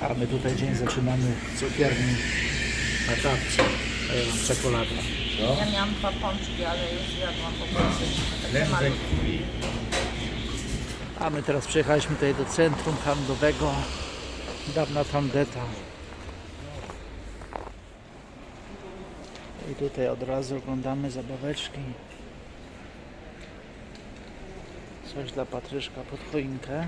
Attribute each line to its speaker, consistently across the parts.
Speaker 1: A my tutaj dzień zaczynamy w cukierni na tarce. A ja mam czekoladę.
Speaker 2: Ja miałam 2 pączki, ale już zjadłam po prostu. Takie malutkie.
Speaker 1: A my teraz przyjechaliśmy tutaj do centrum handlowego. Dawna tandeta. I tutaj od razu oglądamy zabaweczki. Coś dla Patryszka pod choinkę.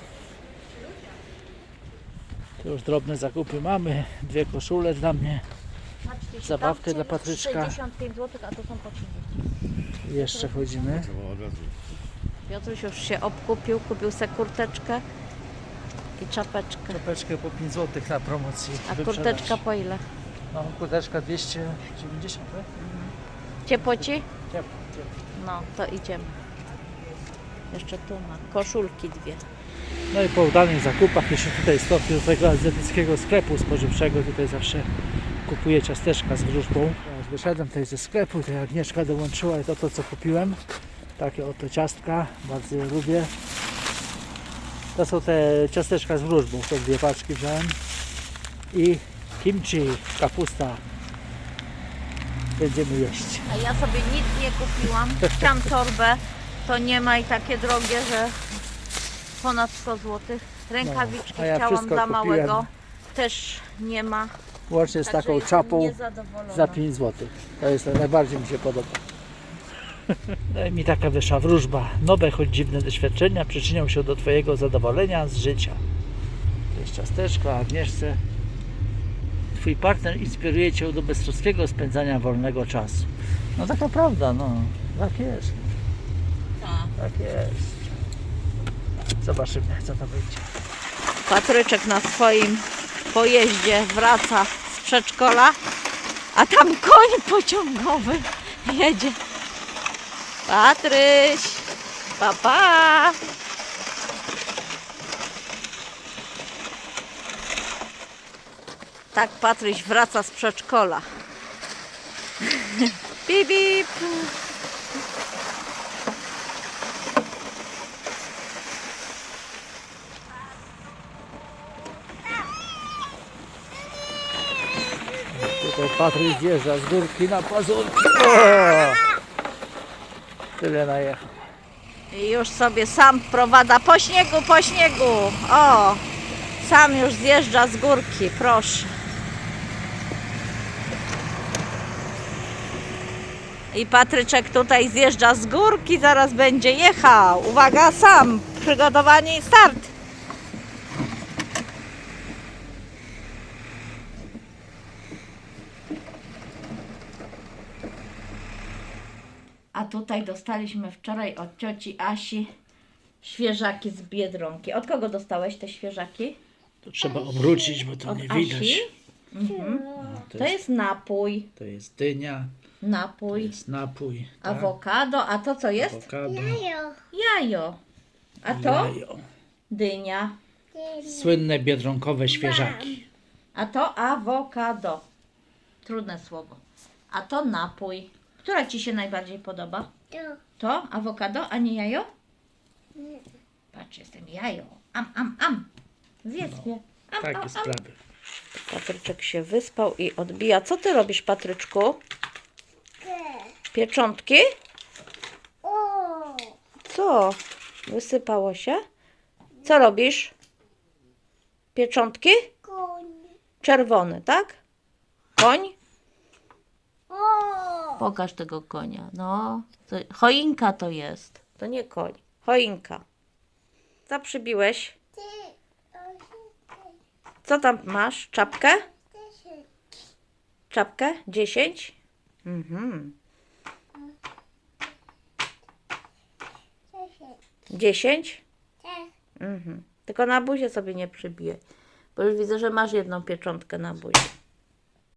Speaker 1: Tu już drobne zakupy mamy. 2 koszule dla mnie.
Speaker 2: Patrzcie,
Speaker 1: Zabawkę
Speaker 2: tam
Speaker 1: dla Patryczka.
Speaker 2: 65 zł, a to są po 30.
Speaker 1: Jeszcze chodzimy.
Speaker 2: Piotruś już się obkupił, kupił sobie kurteczkę i czapeczkę.
Speaker 1: Czapeczkę po 5 zł na promocji.
Speaker 2: A
Speaker 1: wyprzedaż.
Speaker 2: kurteczka po ile?
Speaker 1: No, kurteczka 290, tak?
Speaker 2: Ciepło ci?
Speaker 1: Ciepło.
Speaker 2: No, to idziemy. Jeszcze tu ma koszulki 2.
Speaker 1: No i po udanych zakupach jeszcze tutaj stopniu do tego azjatyckiego sklepu spożywczego. Tutaj zawsze kupuję ciasteczka z wróżbą. Ja już wyszedłem tutaj ze sklepu, tutaj Agnieszka dołączyła i to co kupiłem. Takie oto ciastka, bardzo je lubię. To są te ciasteczka z wróżbą, to 2 paczki wziąłem. I kimchi, kapusta. Będziemy jeść.
Speaker 2: A ja sobie nic nie kupiłam. Chciałam torbę, to nie ma i takie drogie, że ponad 100 zł. Rękawiczki
Speaker 1: No, a ja
Speaker 2: chciałam
Speaker 1: wszystko
Speaker 2: dla
Speaker 1: kupiłem.
Speaker 2: małego. Też nie ma.
Speaker 1: Łącznie z
Speaker 2: Także
Speaker 1: taką
Speaker 2: jestem
Speaker 1: czapą
Speaker 2: niezadowolona.
Speaker 1: za 5 zł. To jest najbardziej mi się podoba. No i mi taka wyszła wróżba. Nowe, choć dziwne doświadczenia przyczynią się do Twojego zadowolenia z życia. To jest ciasteczko, Agnieszce. Twój partner inspiruje Cię do beztroskiego spędzania wolnego czasu. No taka prawda, no. Tak jest. Tak jest. Zobaczymy, co to będzie.
Speaker 2: Patryczek na swoim pojeździe wraca z przedszkola, a tam koń pociągowy jedzie. Patryś, papa. Tak Patryś wraca z przedszkola. Bip, bip.
Speaker 1: Tutaj Patryk zjeżdża z górki na pazurki. O! Tyle najechał.
Speaker 2: I już sobie sam prowada po śniegu, po śniegu. O, sam już zjeżdża z górki, proszę. I Patryczek tutaj zjeżdża z górki, zaraz będzie jechał. Uwaga, sam, przygotowanie i start. A tutaj dostaliśmy wczoraj od cioci Asi świeżaki z Biedronki. Od kogo dostałeś te świeżaki?
Speaker 1: To trzeba obrócić, bo to
Speaker 2: Od
Speaker 1: nie
Speaker 2: Asi?
Speaker 1: widać.
Speaker 2: Mhm.
Speaker 1: To
Speaker 2: To jest napój.
Speaker 1: to jest dynia, to
Speaker 2: Napój.
Speaker 1: jest napój, tak?
Speaker 2: Awokado. A to co jest?
Speaker 1: Awokado,
Speaker 2: Jajo. A to?
Speaker 1: jajo.
Speaker 2: Dynia.
Speaker 1: Słynne biedronkowe świeżaki.
Speaker 2: A to awokado. Trudne słowo. A to napój. Która ci się najbardziej podoba? To awokado, a nie jajo? Patrz, jestem jajo. Am. Zjedz mnie.
Speaker 1: Takie sprawy.
Speaker 2: Patryczek się wyspał i odbija. Co ty robisz, Patryczku? Pieczątki? Co? Wysypało się? Co robisz? Pieczątki? Czerwony, tak? Koń? Pokaż tego konia. No, to choinka to jest. To nie koń. Choinka. Co przybiłeś? Co tam masz? Czapkę? Czapkę? 10? Mhm. 10? Mhm. Tylko na buzie sobie nie przybijaj. Bo już widzę, że masz jedną pieczątkę na buzie.